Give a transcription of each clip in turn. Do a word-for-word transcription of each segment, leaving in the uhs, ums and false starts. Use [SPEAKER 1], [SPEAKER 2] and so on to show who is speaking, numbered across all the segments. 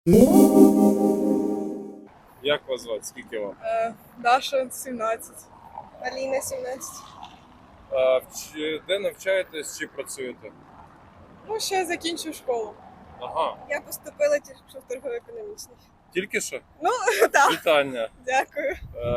[SPEAKER 1] Як вас звати? Скільки вам?
[SPEAKER 2] Е, Даша сімнадцять.
[SPEAKER 3] Аліна сімнадцять.
[SPEAKER 1] А, в чи- де навчаєтесь чи працюєте?
[SPEAKER 2] Ну, ще закінчу школу.
[SPEAKER 1] Ага.
[SPEAKER 3] Я поступила тільки що в торгово-економічний.
[SPEAKER 1] Тільки що?
[SPEAKER 3] Так,
[SPEAKER 1] Вітання.
[SPEAKER 3] дякую.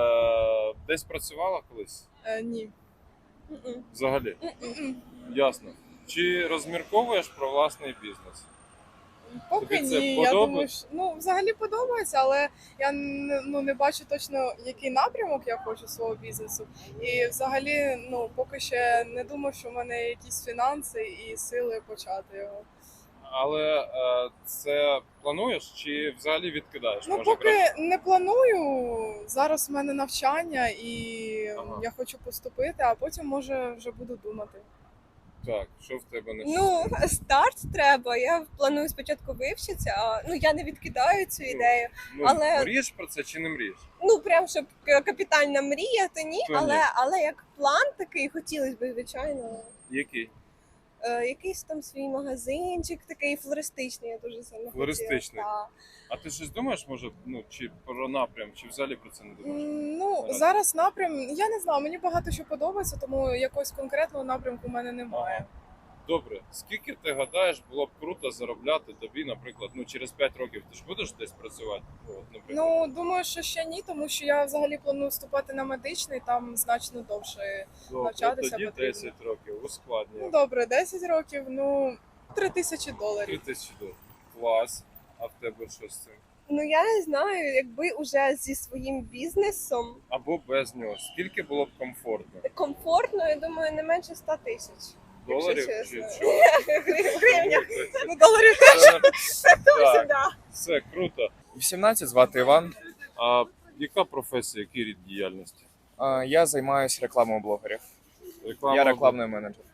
[SPEAKER 1] Е, десь працювала колись?
[SPEAKER 2] Е, ні.
[SPEAKER 3] М-м.
[SPEAKER 1] Взагалі?
[SPEAKER 3] М-м.
[SPEAKER 1] Ясно. Чи розмірковуєш про власний бізнес?
[SPEAKER 2] Поки
[SPEAKER 1] Тобі це
[SPEAKER 2] ні. Я
[SPEAKER 1] подобається?
[SPEAKER 2] думаю, що ну, взагалі подобається, але я не, ну, не бачу точно, який напрямок я хочу свого бізнесу. І взагалі, ну, поки ще не думаю, що в мене є якісь фінанси і сили почати його.
[SPEAKER 1] Але е, це плануєш чи взагалі відкидаєш?
[SPEAKER 2] Ну,
[SPEAKER 1] Може,
[SPEAKER 2] поки
[SPEAKER 1] краще?
[SPEAKER 2] не планую. Зараз в мене навчання і
[SPEAKER 1] Ага.
[SPEAKER 2] я хочу поступити, а потім може вже буду думати.
[SPEAKER 1] Так, що в тебе не
[SPEAKER 3] Ну, старт треба. Я планую спочатку вивчитися, а ну я не відкидаю цю ідею.
[SPEAKER 1] ну,
[SPEAKER 3] але-
[SPEAKER 1] мрієш про це чи не мрієш?
[SPEAKER 3] Ну, прям щоб к- капітальна мрія, то ні,
[SPEAKER 1] То ні.
[SPEAKER 3] але, але як план такий хотілося б, звичайно.
[SPEAKER 1] Який?
[SPEAKER 3] Е, якийсь там свій магазинчик, такий флористичний, я дуже сильно
[SPEAKER 1] Флористичний.
[SPEAKER 3] хотіла.
[SPEAKER 1] А ти щось думаєш, може, ну, чи про напрям, чи взагалі про це не
[SPEAKER 2] М,
[SPEAKER 1] думаєш?
[SPEAKER 2] Ну,
[SPEAKER 1] Наразі.
[SPEAKER 2] зараз напрям, я не знаю, мені багато що подобається, тому якогось конкретного напрямку в мене немає.
[SPEAKER 1] Добре, скільки ти гадаєш, було б круто заробляти тобі, наприклад, ну через п'ять років ти ж будеш десь працювати? Ну, от, наприклад.
[SPEAKER 2] Ну, думаю, що ще ні, тому що я взагалі планую вступати на медичний, там значно довше.
[SPEAKER 1] Добре,
[SPEAKER 2] навчатися
[SPEAKER 1] тоді
[SPEAKER 2] потрібно.
[SPEAKER 1] десять років, ускладнює.
[SPEAKER 2] Ну, добре, десять років, ну, три тисячі
[SPEAKER 1] Три
[SPEAKER 2] доларів.
[SPEAKER 1] тисячі доларів. Клас. А в тебе що з цим?
[SPEAKER 3] Ну я не знаю, якби уже зі своїм бізнесом
[SPEAKER 1] Або без нього. Скільки було б комфортно?
[SPEAKER 3] комфортно, я думаю, не менше ста тисяч.
[SPEAKER 1] Доларів
[SPEAKER 3] Якщо
[SPEAKER 1] чи
[SPEAKER 3] чесно.
[SPEAKER 1] чого?
[SPEAKER 3] В гривнях.
[SPEAKER 2] Ну, доларів.
[SPEAKER 1] Це- Так,
[SPEAKER 3] Да.
[SPEAKER 1] все круто.
[SPEAKER 4] вісімнадцять, звати Іван.
[SPEAKER 1] А яка професія, який рід діяльності?
[SPEAKER 4] А, Я займаюся рекламою блогерів.
[SPEAKER 1] Реклама
[SPEAKER 4] Я рекламний менеджер.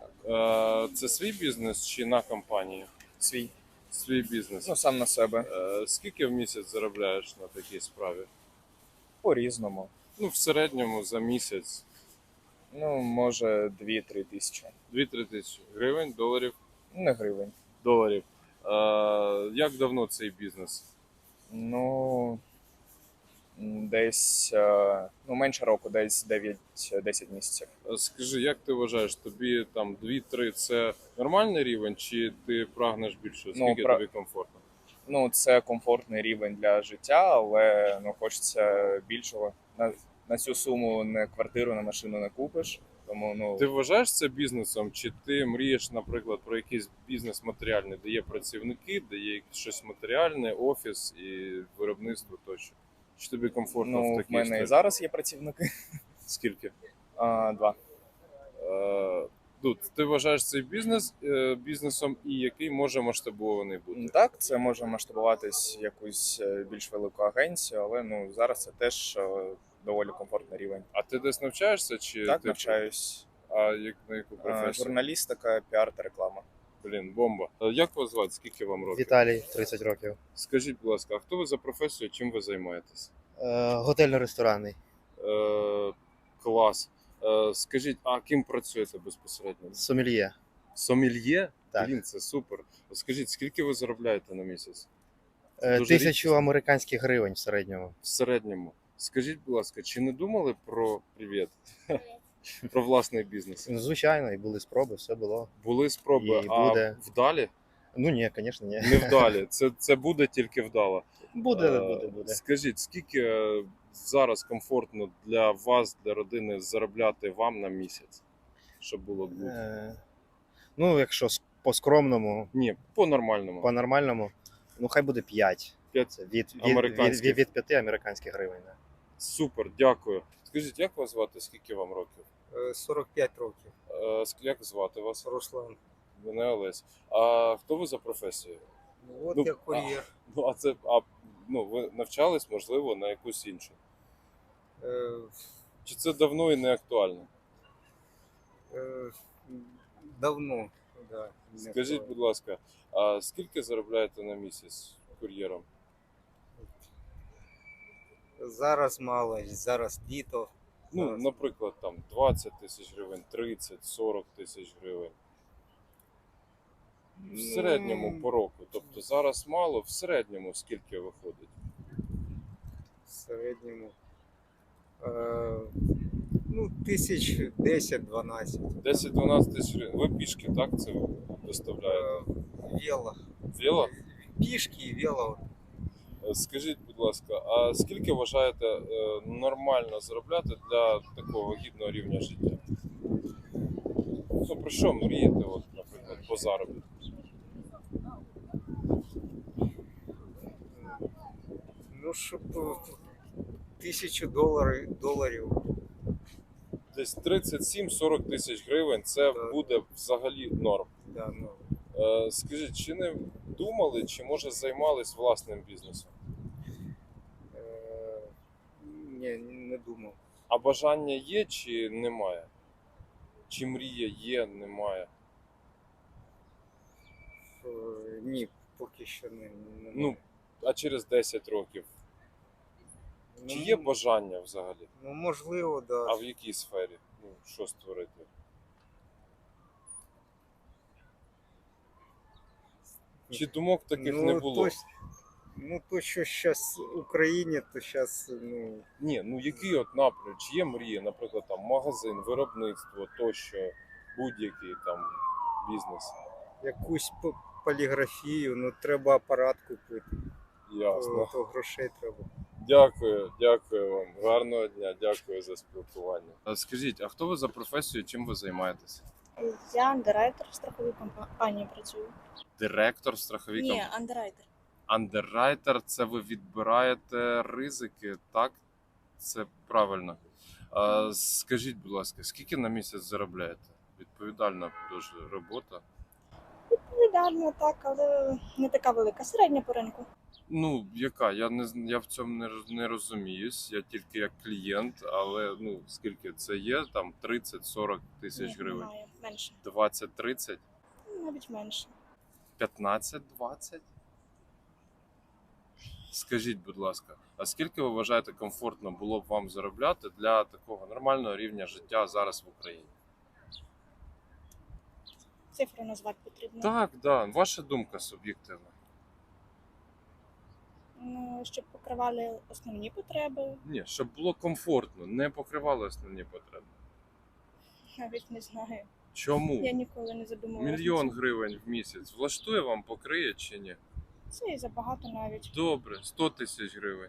[SPEAKER 1] Е, Це свій бізнес чи на компанію?
[SPEAKER 4] Свій.
[SPEAKER 1] Свій бізнес.
[SPEAKER 4] Ну, сам на себе.
[SPEAKER 1] Е, Скільки в місяць заробляєш на такій справі?
[SPEAKER 4] По-різному.
[SPEAKER 1] Ну, в середньому за місяць
[SPEAKER 4] Ну, може, дві-три тисячі.
[SPEAKER 1] дві-три тисячі гривень, доларів.
[SPEAKER 4] Не гривень.
[SPEAKER 1] доларів. Е, Як давно цей бізнес?
[SPEAKER 4] Ну, м, десь е, ну, менше року, десь дев'ять-десять місяців.
[SPEAKER 1] Е, Скажи, як ти вважаєш, тобі там дві-три це нормальний рівень, чи ти прагнеш більше?
[SPEAKER 4] Ну,
[SPEAKER 1] Скільки
[SPEAKER 4] пра-
[SPEAKER 1] тобі комфортно?
[SPEAKER 4] Ну, це комфортний рівень для життя, але ну, хочеться більшого. На, на цю суму не квартиру, не машину не купиш. Тому ну,
[SPEAKER 1] Ти вважаєш це бізнесом, чи ти мрієш, наприклад, про якийсь бізнес матеріальний, де є працівники, де є щось матеріальне, офіс і виробництво тощо? Чи тобі комфортно в
[SPEAKER 4] ну, в
[SPEAKER 1] такій
[SPEAKER 4] мене і
[SPEAKER 1] історії?
[SPEAKER 4] зараз є працівники.
[SPEAKER 1] Скільки?
[SPEAKER 4] А, два.
[SPEAKER 1] Е, ну, ти вважаєш цей бізнес е, бізнесом і який може масштабований бути?
[SPEAKER 4] Так, це може масштабуватись в якусь е, більш велику агенцію, але ну зараз це теж е, доволі комфортний рівень.
[SPEAKER 1] А ти десь навчаєшся? Чи
[SPEAKER 4] Так,
[SPEAKER 1] ти...
[SPEAKER 4] навчаюсь.
[SPEAKER 1] А як, на яку
[SPEAKER 4] Е,
[SPEAKER 1] професію?
[SPEAKER 4] Журналістика, піар та реклама.
[SPEAKER 1] Блін, бомба. Е, Як вас звати? Скільки вам років?
[SPEAKER 5] Віталій, тридцять років.
[SPEAKER 1] Скажіть, будь ласка, а хто ви за професію, чим ви займаєтесь?
[SPEAKER 5] Е, готельно-ресторанний.
[SPEAKER 1] Е, клас. Е, скажіть, а ким працюєте безпосередньо?
[SPEAKER 5] Сомельє.
[SPEAKER 1] Сомельє?
[SPEAKER 5] Так.
[SPEAKER 1] Блін, це супер. Скажіть, скільки ви заробляєте на місяць?
[SPEAKER 5] Е,
[SPEAKER 1] Дуже
[SPEAKER 5] Тисячу
[SPEAKER 1] рідкісно.
[SPEAKER 5] американських гривень в середньому.
[SPEAKER 1] В середньому. Скажіть, будь ласка, чи не думали про привіт? Про власний бізнес?
[SPEAKER 5] Ну, звичайно, і були спроби, все було.
[SPEAKER 1] Були спроби,
[SPEAKER 5] І
[SPEAKER 1] а
[SPEAKER 5] буде.
[SPEAKER 1] вдалі?
[SPEAKER 5] Ну ні, звісно, ні.
[SPEAKER 1] Не вдалі. Це, це буде тільки вдало.
[SPEAKER 5] Буде,
[SPEAKER 1] Е,
[SPEAKER 5] буде, буде.
[SPEAKER 1] Скажіть, скільки е, зараз комфортно для вас, для родини, заробляти вам на місяць? Щоб було бути?
[SPEAKER 5] Е, Ну, якщо с- по-скромному,
[SPEAKER 1] Ні, по-нормальному.
[SPEAKER 5] по-нормальному, ну хай буде п'ять.
[SPEAKER 1] П'ять
[SPEAKER 5] Це від, від, від,
[SPEAKER 1] американських.
[SPEAKER 5] від, від п'яти американських гривень. да.
[SPEAKER 1] Супер, дякую. Скажіть, як вас звати? Скільки вам років?
[SPEAKER 6] Е, сорок п'ять років.
[SPEAKER 1] Е, ск- Як звати вас?
[SPEAKER 6] Руслан.
[SPEAKER 1] Мене Олесь. А хто ви за професією?
[SPEAKER 6] Ну, от
[SPEAKER 1] Ну,
[SPEAKER 6] я кур'єр.
[SPEAKER 1] Ну, а це а, ну, ви навчались, можливо, на якусь іншу.
[SPEAKER 6] Е,
[SPEAKER 1] Чи це давно і не актуально?
[SPEAKER 6] е, давно. Да, не
[SPEAKER 1] Скажіть,
[SPEAKER 6] актуально.
[SPEAKER 1] будь ласка, а скільки заробляєте на місяць кур'єром?
[SPEAKER 6] Зараз мало, зараз літо.
[SPEAKER 1] Ну,
[SPEAKER 6] Зараз.
[SPEAKER 1] наприклад, там двадцять тисяч гривень, тридцять, сорок тисяч гривень. В середньому по року. Тобто зараз мало, в середньому скільки виходить?
[SPEAKER 6] В середньому. Е, ну, тисяч десять-дванадцять.
[SPEAKER 1] десять-дванадцять тисяч гривень. Ви пішки, так, це доставляєте?
[SPEAKER 6] Е, вело.
[SPEAKER 1] Віло?
[SPEAKER 6] Пішки і вело.
[SPEAKER 1] Е, Скажіть, будь ласка, а скільки вважаєте е, нормально заробляти для такого гідного рівня життя? Ну, про що мрієте, от, наприклад, по заробітку?
[SPEAKER 6] Ну, щоб е, тисячу доларів, доларів.
[SPEAKER 1] Десь тридцять сім сорок тисяч гривень це
[SPEAKER 6] Так.
[SPEAKER 1] буде взагалі норм.
[SPEAKER 6] Да, ну,
[SPEAKER 1] Е, Скажіть, чи не думали, чи може займались власним бізнесом?
[SPEAKER 6] е, ні, не думав.
[SPEAKER 1] А бажання є чи немає? Чи мрія є, немає?
[SPEAKER 6] Е, ні, поки що не, не
[SPEAKER 1] Ну, а через десять років? Чи є бажання взагалі?
[SPEAKER 6] Ну, можливо, да.
[SPEAKER 1] А в якій сфері? Ну, що створити? Чи думок таких не було?
[SPEAKER 6] То, ну, то, що зараз в Україні, то зараз, ну,
[SPEAKER 1] Ні, ну який от напрям? Чи є мрія, наприклад, там магазин, виробництво, тощо, будь-який там бізнес?
[SPEAKER 6] якусь п- поліграфію, ну, треба апарат купити,
[SPEAKER 1] Ясно.
[SPEAKER 6] то, то грошей треба.
[SPEAKER 1] Дякую, дякую вам. Гарного дня, дякую за спілкування. А скажіть, а хто ви за професією, чим ви займаєтесь?
[SPEAKER 7] Я андеррайтер в страховій компанії працюю.
[SPEAKER 1] Директор страховій
[SPEAKER 7] Ні,
[SPEAKER 1] компанії?
[SPEAKER 7] андеррайтер.
[SPEAKER 1] Андеррайтер – це ви відбираєте ризики, так? Це правильно. А, скажіть, будь ласка, скільки на місяць заробляєте? Відповідальна дуже робота.
[SPEAKER 7] Відповідально так, але не така велика. Середня по ринку.
[SPEAKER 1] Ну, яка? Я не з- я в цьому не, роз- не розуміюсь. Я тільки як клієнт, але ну скільки це є? Там тридцять-сорок тисяч
[SPEAKER 7] Ні,
[SPEAKER 1] гривень.
[SPEAKER 7] Немає. Менше.
[SPEAKER 1] двадцять-тридцять,
[SPEAKER 7] Ну, навіть менше.
[SPEAKER 1] п'ятнадцять-двадцять? Скажіть, будь ласка, а скільки ви вважаєте комфортно було б вам заробляти для такого нормального рівня життя зараз в Україні?
[SPEAKER 7] Цифру назвати потрібно.
[SPEAKER 1] Так, да. Ваша думка суб'єктивна.
[SPEAKER 7] Ну, щоб покривали основні потреби,
[SPEAKER 1] Ні, щоб було комфортно, не покривали основні потреби.
[SPEAKER 7] навіть не знаю.
[SPEAKER 1] Чому?
[SPEAKER 7] Я ніколи не задумувалася.
[SPEAKER 1] Мільйон гривень в місяць влаштує вам, покриє чи ні?
[SPEAKER 7] Це і забагато навіть.
[SPEAKER 1] Добре, сто тисяч гривень.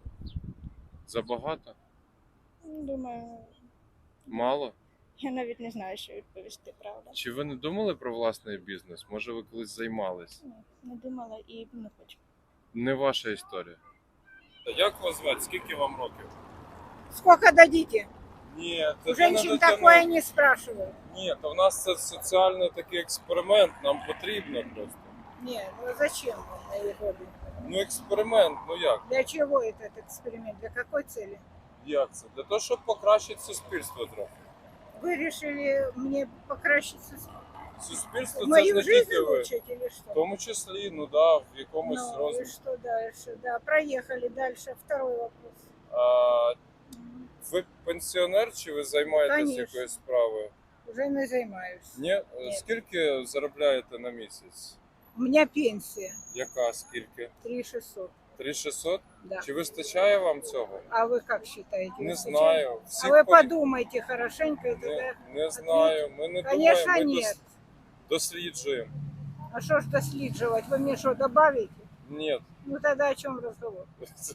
[SPEAKER 1] Забагато?
[SPEAKER 7] Ну, Думаю,
[SPEAKER 1] Мало?
[SPEAKER 7] я навіть не знаю, що відповісти, правда.
[SPEAKER 1] Чи ви не думали про власний бізнес? Може, ви колись займались?
[SPEAKER 7] Ні, не думала і не хочу.
[SPEAKER 1] Не ваша історія. Як вас звати? Скільки вам років?
[SPEAKER 8] Сколько дадите?
[SPEAKER 1] Ні,
[SPEAKER 8] У женщин такое не спрашивают.
[SPEAKER 1] Ні, то в нас це соціальний такий експеримент, нам потрібно просто.
[SPEAKER 8] Не, ну зачем вам мои годы?
[SPEAKER 1] Ну, експеримент, ну як?
[SPEAKER 8] Для чего этот эксперимент? Для какой цели?
[SPEAKER 1] Як це? Для того, щоб покращити суспільство трохи.
[SPEAKER 8] Вы решили мне покращить
[SPEAKER 1] Суспільство це ж
[SPEAKER 8] мою
[SPEAKER 1] не
[SPEAKER 8] жизнь
[SPEAKER 1] тільки ви.
[SPEAKER 8] улучшить или
[SPEAKER 1] В
[SPEAKER 8] что?
[SPEAKER 1] тому числі, ну да, в якомусь
[SPEAKER 8] Ну и
[SPEAKER 1] розмірі.
[SPEAKER 8] что дальше? Да, проехали дальше. Второй вопрос.
[SPEAKER 1] А,
[SPEAKER 8] М,
[SPEAKER 1] ви пенсіонер чи ви займаєтесь
[SPEAKER 8] Конечно.
[SPEAKER 1] якоюсь справою?
[SPEAKER 8] Уже не займаюсь.
[SPEAKER 1] Ні?
[SPEAKER 8] Ні.
[SPEAKER 1] Скільки заробляєте на місяць?
[SPEAKER 8] У меня пенсия
[SPEAKER 1] Яка скільки?
[SPEAKER 8] три шестьсот.
[SPEAKER 1] три шістсот?
[SPEAKER 8] Да.
[SPEAKER 1] Чи вистачає вам цього?
[SPEAKER 8] А вы как считаете?
[SPEAKER 1] Не
[SPEAKER 8] Выстачает?
[SPEAKER 1] знаю.
[SPEAKER 8] А
[SPEAKER 1] Всі
[SPEAKER 8] вы
[SPEAKER 1] порі-
[SPEAKER 8] подумайте хорошенько и тогда...
[SPEAKER 1] не, не знаю. Ми не
[SPEAKER 8] Конечно,
[SPEAKER 1] думаємо, ми
[SPEAKER 8] нет.
[SPEAKER 1] дос- досліджуємо.
[SPEAKER 8] А что ж доследживать? Вы мне что, добавите?
[SPEAKER 1] Ні.
[SPEAKER 8] Ну тогда о чем разговор?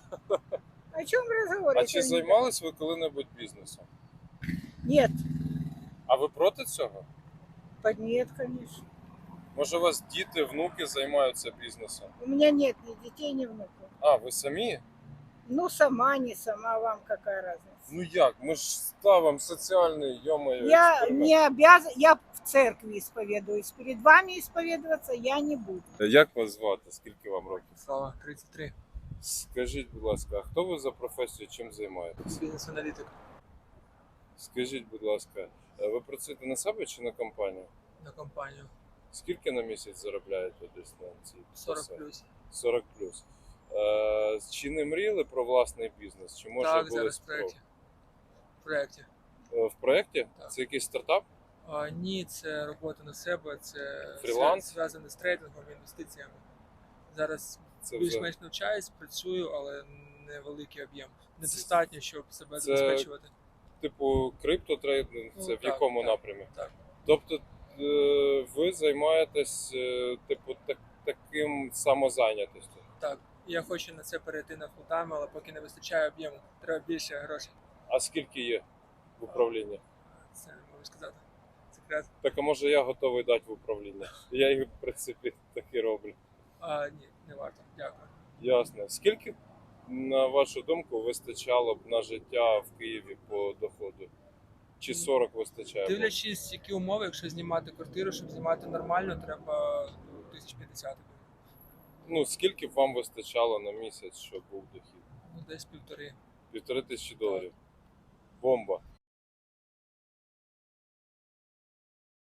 [SPEAKER 8] О чем разговор?
[SPEAKER 1] А
[SPEAKER 8] если
[SPEAKER 1] чи
[SPEAKER 8] не-
[SPEAKER 1] займались ви коли-небудь бізнесом?
[SPEAKER 8] Нет.
[SPEAKER 1] А ви проти цього?
[SPEAKER 8] Под нет, конечно.
[SPEAKER 1] Може, у вас діти, внуки займаються бізнесом?
[SPEAKER 8] У меня нет ни детей, ни внуков.
[SPEAKER 1] А, ви самі?
[SPEAKER 8] Ну, сама, не сама, вам какая разница?
[SPEAKER 1] Ну як? Ми ж ставимо соціальний, йомою.
[SPEAKER 8] Я не обязан, я в церкви исповедуюсь. Перед вами исповедоваться я не буду.
[SPEAKER 1] Як вас звати? Скільки вам років?
[SPEAKER 9] Слава, тридцять три.
[SPEAKER 1] Скажіть, будь ласка, а хто ви за професію, чим займаєтесь?
[SPEAKER 9] Бізнес-аналітик
[SPEAKER 1] Скажіть, будь ласка, ви працюєте на себе чи на компанію?
[SPEAKER 9] на компанію.
[SPEAKER 1] Скільки на місяць заробляєте десь на цій
[SPEAKER 9] сорок
[SPEAKER 1] посаді?
[SPEAKER 9] плюс.
[SPEAKER 1] сорок плюс. Е, чи не мріяли про власний бізнес? Чи може
[SPEAKER 9] Так,
[SPEAKER 1] були
[SPEAKER 9] зараз в
[SPEAKER 1] спро-
[SPEAKER 9] проєкті. В проєкті.
[SPEAKER 1] Е, в проєкті?
[SPEAKER 9] Так.
[SPEAKER 1] Це якийсь стартап?
[SPEAKER 9] А, ні, це робота на себе, це
[SPEAKER 1] Фріланс?
[SPEAKER 9] зв'язане з трейдингом, інвестиціями. Зараз
[SPEAKER 1] Це вже
[SPEAKER 9] більш-менш навчаюсь, працюю, але невеликий об'єм. Недостатньо, щоб себе
[SPEAKER 1] це-
[SPEAKER 9] забезпечувати.
[SPEAKER 1] типу криптотрейдинг,
[SPEAKER 9] Ну,
[SPEAKER 1] це в
[SPEAKER 9] так,
[SPEAKER 1] якому
[SPEAKER 9] так,
[SPEAKER 1] напрямі?
[SPEAKER 9] так.
[SPEAKER 1] Тобто е, ви займаєтесь е, типу так, таким самозайнятістю.
[SPEAKER 9] Так, я хочу на це перейти на фултайм, але поки не вистачає об'єму, треба більше грошей.
[SPEAKER 1] А скільки є в управлінні?
[SPEAKER 9] Це не можу сказати. Секрет.
[SPEAKER 1] Так а може я готовий дати в управління? Я їх в принципі так і роблю.
[SPEAKER 9] А, ні, не варто. Дякую.
[SPEAKER 1] Ясно. Скільки, на вашу думку, вистачало б на життя в Києві по доходу? Чи сорок вистачає?
[SPEAKER 9] Дивлячись, які умови, якщо знімати квартиру, щоб знімати нормально, треба ну, тисяч п'ятдесят.
[SPEAKER 1] Ну, скільки б вам вистачало на місяць, щоб був дохід?
[SPEAKER 9] Ну, десь півтори.
[SPEAKER 1] Півтори тисячі доларів. Бомба.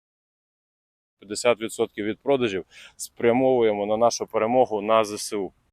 [SPEAKER 1] п'ятдесят відсотків від продажів спрямовуємо на нашу перемогу на ЗСУ.